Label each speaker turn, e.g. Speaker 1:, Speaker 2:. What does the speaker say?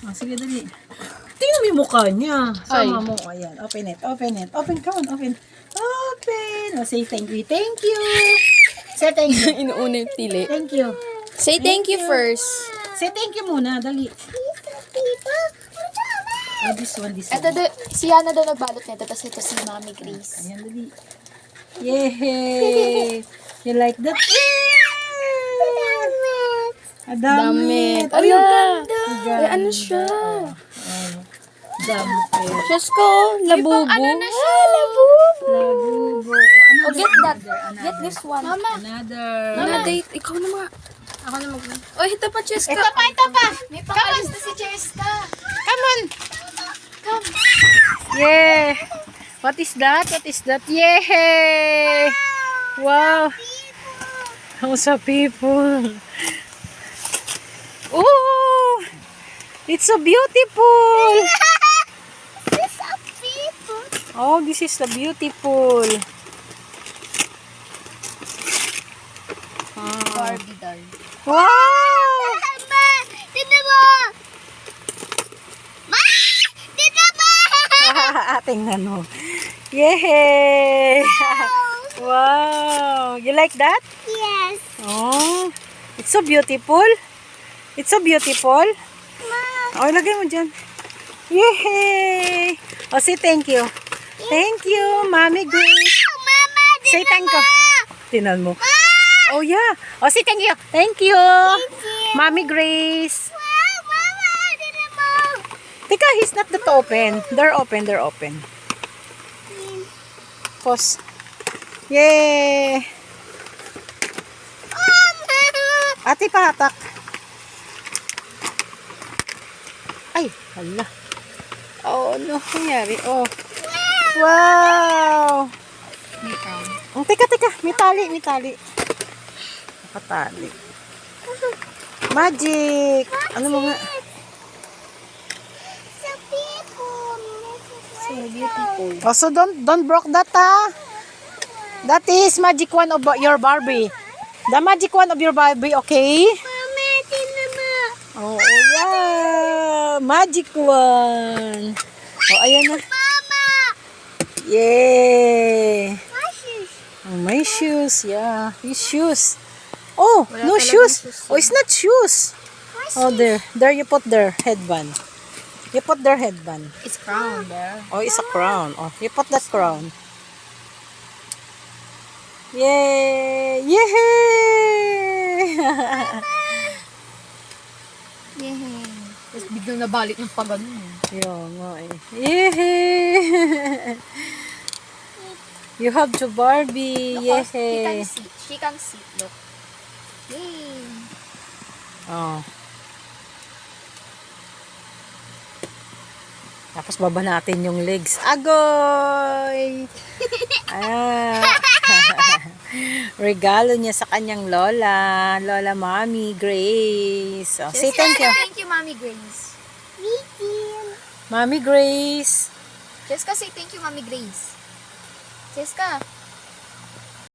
Speaker 1: Oh, sige, dali. Tingnan mo yung mukha niya.
Speaker 2: Ay.
Speaker 1: Sama mo. Ayan. Open it. Open it. Open. Come on. Open. Open. Oh, say thank you. Thank you. Say thank you.
Speaker 2: Inuuna yung pili.
Speaker 1: Thank you.
Speaker 2: Say thank you first.
Speaker 1: Say thank you muna. Dali. Oh, this one.
Speaker 2: Ito, si Hana daw nagbalot nito, tapos ito si Mami Grace.
Speaker 1: Ayan, dali. Yay! You like that? Damit.
Speaker 2: Ay,
Speaker 1: ganda.
Speaker 2: Ay, ano siya?
Speaker 1: Damit.
Speaker 2: Diyos ko, labubo. Ano na siya? Labubo.
Speaker 1: Labubo.
Speaker 2: Oh, get that. Get this one. Mama.
Speaker 1: Another.
Speaker 2: Date. Ikaw na mga. Ako na mag. Oh, ito pa, Cheska.
Speaker 1: Ito pa.
Speaker 2: May pangalis na si Cheska.
Speaker 1: Come on. Yeah. What is that? What is that? Yay! Wow. How's a people? Oh! It's so beautiful.
Speaker 3: This a people.
Speaker 1: Oh, this is the beautiful.
Speaker 2: Barbie doll.
Speaker 1: Wow!
Speaker 3: Mama, dito mo. Ma, dito mo.
Speaker 1: Tingnan mo. Yay! Wow! You like that?
Speaker 3: Yes.
Speaker 1: Oh, it's so beautiful. It's so beautiful.
Speaker 3: Ma.
Speaker 1: Oh, lagay mo dyan. Yay! Oh, say thank you. Thank you, Mommy Grace.
Speaker 3: Mama, dito
Speaker 1: Say thank you. Tinan mo.
Speaker 3: mo.
Speaker 1: Oh, yeah. Oh, say thank you. Thank you. Mommy Grace.
Speaker 3: Wow, mama, dito mo.
Speaker 1: Teka, he's not that open. They're open. They're open. Pause. Yay! Ate, pahatak. Ay, hala. Oh, ano nangyari? Oh. Wow! Oh, teka. May tali. Nakatali. Magic! Ano mo nga?
Speaker 3: Sa people.
Speaker 2: So beautiful.
Speaker 1: Oh, so don't broke that, ha? That is magic one of your Barbie. The magic one of your Barbie, okay?
Speaker 3: Mama, dito mo.
Speaker 1: Oh, yeah. Magic one. Oh, ayan na.
Speaker 3: Mama.
Speaker 1: Yay.
Speaker 3: My shoes.
Speaker 1: Oh, my shoes. Yeah. His shoes. Oh,
Speaker 2: Wala
Speaker 1: no
Speaker 2: talagang
Speaker 1: shoes.
Speaker 2: shoes
Speaker 1: Oh, it's not shoes. Oh, there. There you put their headband. You put their headband.
Speaker 2: It's crown there.
Speaker 1: Oh, it's a crown. Oh, you put that crown. Yay! Yay!
Speaker 2: Yay. Tapos biglang nabalik ng pagano.
Speaker 1: Yun nga eh. Yay! You have to Barbie.
Speaker 2: He can
Speaker 1: Yay!
Speaker 2: see. She can see. Look. Yay.
Speaker 1: Oh. Tapos baba natin yung legs. Agoy! Regalo niya sa kanyang lola. Lola Mommy Grace. Oh, say thank you.
Speaker 2: Thank you, Mami Grace.
Speaker 1: Mommy Grace.
Speaker 2: Jessica, say thank you, Mami Grace. Jessica.